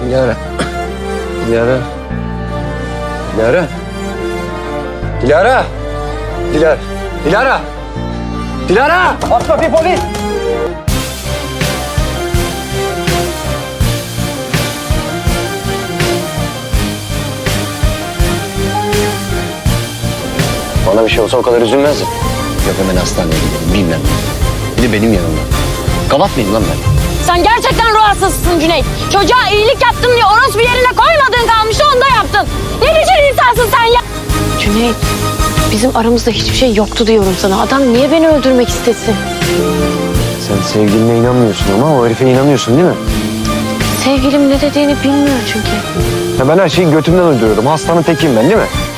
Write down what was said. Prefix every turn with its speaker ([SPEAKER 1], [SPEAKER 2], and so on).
[SPEAKER 1] Dilara. Dilara. Dilara. Dilara. Dilara. Dilara. Dilara. Aç kapıyı polis. Bana bir şey olsa o kadar üzülmezdim. Yok hemen hastaneye gidelim bilmem. Bir de benim yanımda. Kavat mıyım lan ben?
[SPEAKER 2] Sen gerçekten ruh hastasısın Cüneyt. Çocuğa iyilik yaptım diye orospu yerine koymadığın kalmıştı, onu da yaptın. Ne biçim insansın sen ya? Cüneyt, bizim aramızda hiçbir şey yoktu diyorum sana. Adam niye beni öldürmek istesin?
[SPEAKER 1] Sen sevgiline inanmıyorsun ama o herife inanıyorsun değil mi?
[SPEAKER 2] Sevgilim ne dediğini bilmiyor çünkü.
[SPEAKER 1] Ya ben her şeyi götümden uyduruyorum. Hastanın tekiyim ben değil mi?